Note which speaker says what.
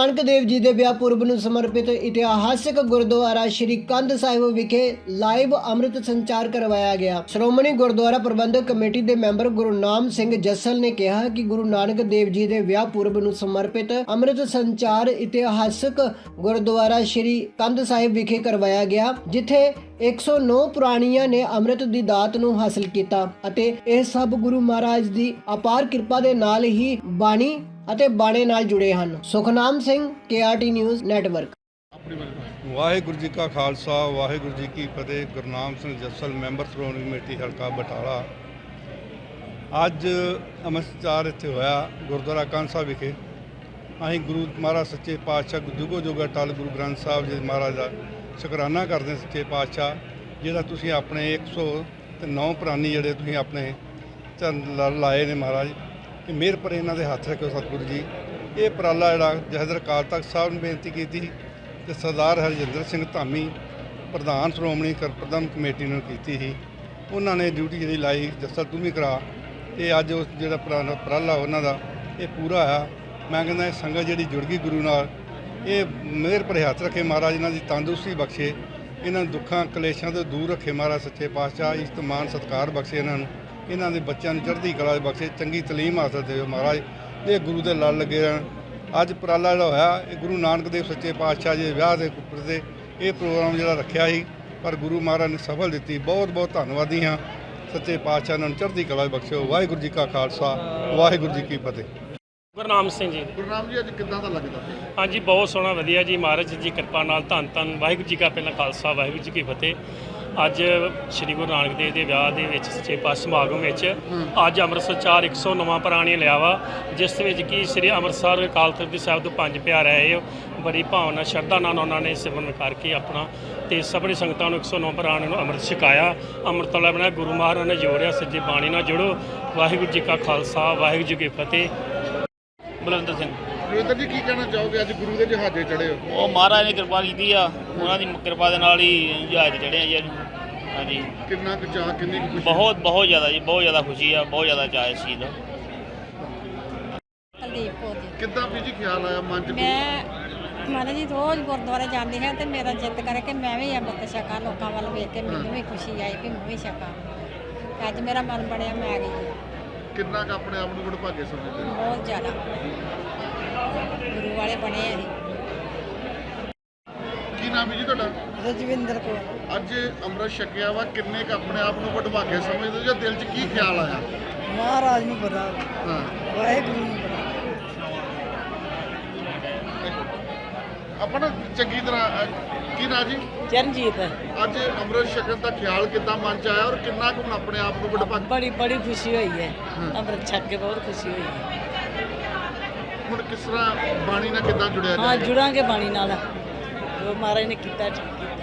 Speaker 1: ਨਾਨਕ ਦੇਵ ਜੀ ਦੇ ਵਿਆਹ ਪੁਰਬ ਨੂੰ ਸਮਰਪਿਤ ਇਤਿਹਾਸਕ ਗੁਰਦੁਆਰਾ ਸ਼੍ਰੀ ਕੰਧ ਸਾਹਿਬ ਵਿਖੇ ਲਾਈਵ ਅੰਮ੍ਰਿਤ ਸੰਚਾਰ ਕਰਵਾਇਆ ਗਿਆ। ਸ਼੍ਰੋਮਣੀ ਗੁਰਦੁਆਰਾ ਪ੍ਰਬੰਧਕ ਕਮੇਟੀ ਦੇ ਮੈਂਬਰ ਗੁਰਨਾਮ ਸਿੰਘ ਜੱਸਲ ਨੇ ਕਿਹਾ ਕਿ ਗੁਰੂ ਨਾਨਕ ਦੇਵ ਜੀ ਦੇ ਵਿਆਹ ਪੁਰਬ ਨੂੰ ਸਮਰਪਿਤ ਅੰਮ੍ਰਿਤ ਸੰਚਾਰ ਇਤਿਹਾਸਕ ਗੁਰਦੁਆਰਾ ਸ਼੍ਰੀ ਕੰਧ ਸਾਹਿਬ ਵਿਖੇ ਕਰਵਾਇਆ ਗਿਆ, ਜਿੱਥੇ 109 ਪ੍ਰਾਣੀਆਂ ਨੇ ਅੰਮ੍ਰਿਤ ਦੀ ਦਾਤ ਨੂੰ ਹਾਸਲ ਕੀਤਾ ਅਤੇ ਇਹ ਸਭ ਗੁਰੂ ਮਹਾਰਾਜ ਦੀ ਅਪਾਰ ਕਿਰਪਾ ਦੇ ਨਾਲ ਹੀ ਬਾਣੀ ਅਤੇ ਬਾਣੇ ਨਾਲ ਜੁੜੇ ਹਨ। Sukhnam Singh, KRT news network.
Speaker 2: Waheguru ji ਕਾ ਖਾਲਸਾ, ਵਾਹਿਗੁਰੂ ਜੀ ਕੀ ਫਤਿਹ। ਗੁਰਨਾਮ ਸਿੰਘ ਜੱਸਲ, ਮੈਂਬਰ ਸ਼੍ਰੋਮਣੀ ਕਮੇਟੀ ਹਲਕਾ ਬਟਾਲਾ। ਅੱਜ ਅੰਮ੍ਰਿਤ ਸੰਚਾਰ ਇੱਥੇ ਹੋਇਆ ਗੁਰਦੁਆਰਾ ਕੰਧ ਸਾਹਿਬ ਵਿਖੇ। ਅਸੀਂ ਗੁਰੂ ਮਹਾਰਾਜ ਸੱਚੇ ਪਾਤਸ਼ਾਹ ਜੁਗੋ ਜੁਗ ਅਟਲ ਗੁਰੂ ਗ੍ਰੰਥ ਸਾਹਿਬ ਜੀ ਮਹਾਰਾਜ ਦਾ ਸ਼ੁਕਰਾਨਾ ਕਰਦੇ ਸੱਚੇ ਪਾਤਸ਼ਾਹ, ਜਿਹੜਾ ਤੁਸੀਂ ਆਪਣੇ 109 ਪ੍ਰਾਨੀ ਜਿਹੜੇ ਤੁਸੀਂ ਆਪਣੇ ਚਰਨ ਲਾਏ ਨੇ ਮਹਾਰਾਜ, ਕਿ ਮਿਹਰ ਪਰ ਇਹਨਾਂ ਦੇ ਹੱਥ ਰੱਖੋ ਸਤਿਗੁਰੂ ਜੀ। ਇਹ ਉਪਰਾਲਾ ਜਿਹੜਾ ਜਥੇਦਾਰ ਅਕਾਲ ਤਖਤ ਸਾਹਿਬ ਨੇ ਬੇਨਤੀ ਕੀਤੀ ਤੇ ਸਰਦਾਰ ਹਰਜਿੰਦਰ ਸਿੰਘ ਧਾਮੀ ਪ੍ਰਧਾਨ ਸ਼੍ਰੋਮਣੀ ਪ੍ਰਬੰਧਕ ਕਮੇਟੀ ਨੂੰ ਕੀਤੀ ਸੀ। ਉਹਨਾਂ ਨੇ ਡਿਊਟੀ ਜਿਹੜੀ ਲਾਈ, ਜੱਸਲ ਤੂੰ ਵੀ ਕਰਾ, ਤੇ ਅੱਜ ਉਸ ਜਿਹੜਾ ਉਪਰਾਲਾ ਉਹਨਾਂ ਦਾ ਇਹ ਪੂਰਾ ਆ। ਮੈਂ ਕਹਿੰਦਾ ਇਹ ਸੰਗਤ ਜਿਹੜੀ ਜੁੜ ਗਈ ਗੁਰੂ ਨਾਲ, ਇਹ ਮਿਹਰ ਭਰੇ ਹੱਥ ਰੱਖੇ ਮਹਾਰਾਜ, ਇਹਨਾਂ ਦੀ ਤੰਦਰੁਸਤੀ ਬਖਸ਼ੇ, ਇਹਨਾਂ ਨੂੰ ਦੁੱਖਾਂ ਕਲੇਸ਼ਾਂ ਤੋਂ ਦੂਰ ਰੱਖੇ ਮਹਾਰਾਜ ਸੱਚੇ ਪਾਤਸ਼ਾਹ। ਇੱਜ਼ਤ ਮਾਣ ਸਤਿਕਾਰ ਬਖਸ਼ੇ ਇਹਨਾਂ ਨੂੰ, ਇਹਨਾਂ ਦੇ ਬੱਚਿਆਂ ਨੂੰ ਚੜ੍ਹਦੀ ਕਲਾ ਬਖਸ਼ੇ, ਚੰਗੀ ਤਾਲੀਮ ਹਾਸਲ ਦੇਵੇ ਮਹਾਰਾਜ, ਇਹ ਗੁਰੂ ਦੇ ਲੜ ਲੱਗੇ ਰਹਿਣ। ਅੱਜ ਉਪਰਾਲਾ ਜਿਹੜਾ ਹੋਇਆ ਇਹ ਗੁਰੂ ਨਾਨਕ ਦੇਵ ਸੱਚੇ ਪਾਤਸ਼ਾਹ ਜੀ ਦੇ ਵਿਆਹ ਦੇ ਉੱਪਰ ਤੇ ਇਹ ਪ੍ਰੋਗਰਾਮ ਜਿਹੜਾ ਰੱਖਿਆ ਸੀ, ਪਰ ਗੁਰੂ ਮਹਾਰਾਜ ਨੇ ਸਫਲ ਦਿੱਤੀ। ਬਹੁਤ ਬਹੁਤ ਧੰਨਵਾਦੀ ਹਾਂ ਸੱਚੇ ਪਾਤਸ਼ਾਹ, ਇਹਨਾਂ ਨੂੰ ਚੜ੍ਹਦੀ ਕਲਾ ਬਖਸ਼ਿਓ। ਵਾਹਿਗੁਰੂ ਜੀ ਕਾ ਖਾਲਸਾ, ਵਾਹਿਗੁਰੂ ਜੀ ਕੀ ਫਤਿਹ।
Speaker 3: ਗੁਰਨਾਮ ਸਿੰਘ ਜੀ।
Speaker 4: ਗੁਰਨਾਮ ਜੀ, ਅੱਜ ਕਿੱਦਾਂ ਦਾ ਲੱਗਦਾ?
Speaker 3: ਹਾਂਜੀ, ਬਹੁਤ ਸੋਹਣਾ, ਵਧੀਆ ਜੀ। ਮਹਾਰਾਜ ਜੀ ਕਿਰਪਾ ਨਾਲ ਧੰਨ ਧੰਨ ਵਾਹਿਗੁਰੂ ਜੀ ਕਾ ਪਹਿਲਾਂ ਖਾਲਸਾ, ਵਾਹਿਗੁਰੂ ਜੀ ਕੀ ਫਤਿਹ। ਅੱਜ ਸ੍ਰੀ ਗੁਰੂ ਨਾਨਕ ਦੇਵ ਦੇ ਵਿਆਹ ਦੇ ਵਿੱਚ ਸੱਚੇ ਪਾਤਸ਼ਾਹ ਸਮਾਗਮ ਵਿੱਚ ਅੱਜ ਅੰਮ੍ਰਿਤ ਸੰਚਾਰ 109 ਪ੍ਰਾਣੀ ਲਿਆ ਵਾ, ਜਿਸ ਵਿੱਚ ਕਿ ਸ੍ਰੀ ਅੰਮ੍ਰਿਤਸਰ ਅਕਾਲ ਤਖਤ ਸਾਹਿਬ ਤੋਂ 5 ਪਿਆਰੇ ਆਏ। ਬੜੀ ਭਾਵਨਾ ਸ਼ਰਧਾ ਨਾਲ ਉਹਨਾਂ ਨੇ ਸਿਮਰਨ ਕਰਕੇ ਆਪਣਾ ਤੇ ਸਭਨੀ ਸੰਗਤਾਂ ਨੂੰ 109 ਪ੍ਰਾਣੀ ਨੂੰ ਅੰਮ੍ਰਿਤ ਛਕਾਇਆ। ਅੰਮ੍ਰਿਤ ਵਾਲਾ ਬਣਿਆ ਗੁਰੂ ਮਹਾਰਾਜ ਨੇ ਜੋੜਿਆ, ਸੱਜੇ ਬਾਣੀ ਨਾਲ ਜੁੜੋ। ਵਾਹਿਗੁਰੂ ਜੀ ਕਾ ਖਾਲਸਾ, ਵਾਹਿਗੁਰੂ ਜੀ ਕੀ ਫਤਿਹ। ਬਲਵਿੰਦਰ ਸਿੰਘ।
Speaker 4: ਬਲਵਿੰਦਰ ਜੀ, ਕੀ ਕਹਿਣਾ ਚਾਹੋਗੇ? ਅੱਜ ਗੁਰੂ ਦੇ ਜਹਾਜ਼ੇ ਚੜ੍ਹੇ ਹੋ।
Speaker 5: ਉਹ ਮਹਾਰਾਜ ਨੇ ਕਿਰਪਾ ਕੀਤੀ ਆ, ਉਹਨਾਂ ਦੀ ਕਿਰਪਾ ਦੇ ਨਾਲ ਹੀ ਜਹਾਜ਼ ਚੜ੍ਹੇ ਆ ਜੀ। ਹਾਂਜੀ,
Speaker 4: ਕਿੰਨਾ ਕੁ ਚਾਅ, ਕਿੰਨੀ ਕੁ ਖੁਸ਼ੀ?
Speaker 5: ਬਹੁਤ ਜ਼ਿਆਦਾ ਜੀ, ਬਹੁਤ ਜ਼ਿਆਦਾ ਖੁਸ਼ੀ ਆ, ਬਹੁਤ ਜ਼ਿਆਦਾ ਚਾਅ ਇਸ ਚੀਜ਼ ਦਾ।
Speaker 6: ਕੁਲਦੀਪ ਕੌਰ ਜੀ।
Speaker 4: ਕਿੱਦਾਂ ਵੀ ਜੀ ਖਿਆਲ ਆਇਆ ਮਨ 'ਚ?
Speaker 6: ਮੈਂ ਮਹਾਰਾਜ ਜੀ ਰੋਜ਼ ਗੁਰਦੁਆਰੇ ਜਾਂਦੀ ਹਾਂ ਤੇ ਮੇਰਾ ਜਿੱਤ ਕਰੇ ਕਿ ਮੈਂ ਵੀ ਅੰਮ੍ਰਿਤ ਛਕਾਂ, ਲੋਕਾਂ ਵੱਲ ਵੇਖ ਕੇ ਮੈਨੂੰ ਵੀ ਖੁਸ਼ੀ ਆਈ ਕਿ ਮੈਂ ਵੀ ਛਕਾਂ। ਅੱਜ ਮੇਰਾ ਮਨ ਬਣਿਆ, ਮੈਂ ਆ ਗਈ ਜੀ।
Speaker 4: ਕਿੰਨਾ ਕੁ ਆਪਣੇ ਆਪ ਨੂੰ ਵਡਭਾਗੇ ਸਮਝਦੇ ਹੋ?
Speaker 6: ਬਹੁਤ ਜ਼ਿਆਦਾ ਗੁਰੂ ਵਾਲੇ ਬਣੇ ਆ ਜੀ।
Speaker 4: ਕੀ ਨਾਮ ਹੈ ਜੀ ਤੁਹਾਡਾ?
Speaker 6: ਰਜਵਿੰਦਰ ਕੌਰ।
Speaker 4: ਅੱਜ ਅੰਮ੍ਰਿਤ ਛਕਿਆ ਵਾ, ਕਿੰਨੇ ਕੁ ਆਪਣੇ ਆਪ ਨੂੰ ਵਡਭਾਗੇ ਸਮਝਦੇ ਹੋ ਜਾਂ ਦਿਲ 'ਚ ਕੀ ਖਿਆਲ ਆਇਆ?
Speaker 6: ਮਹਾਰਾਜ ਨੂੰ ਪਤਾ,
Speaker 4: ਹਾਂ,
Speaker 6: ਵਾਹਿਗੁਰੂ ਨੂੰ ਪਤਾ।
Speaker 4: ਆਪਣਾ ਚੰਗੀ ਤਰ੍ਹਾਂ ਕੀ ਨਾਂ ਜੀ?
Speaker 6: ਚਰਨਜੀਤ।
Speaker 4: ਅੱਜ ਅੰਮ੍ਰਿਤ ਛਕਣ ਦਾ ਖਿਆਲ ਕਿੱਦਾਂ ਮਨ 'ਚ ਆਇਆ ਔਰ ਕਿੰਨਾ ਕੁ ਹੁਣ ਆਪਣੇ ਆਪ ਨੂੰ ਵਡਭਾਗੇ?
Speaker 6: ਬੜੀ ਖੁਸ਼ੀ ਹੋਈ ਹੈ, ਅੰਮ੍ਰਿਤ ਛਕ ਕੇ ਬਹੁਤ ਖੁਸ਼ੀ ਹੋਈ ਹੈ।
Speaker 4: ਹੁਣ ਕਿਸ ਤਰ੍ਹਾਂ ਬਾਣੀ ਨਾਲ ਕਿੱਦਾਂ ਜੁੜਿਆ
Speaker 6: ਹਾਂ,
Speaker 4: ਜਾਏਗਾ?
Speaker 6: ਜੁੜਾਂਗੇ ਬਾਣੀ ਨਾਲ, ਜੋ ਮਹਾਰਾਜ ਨੇ ਕੀਤਾ ਠੀਕ ਕੀਤਾ।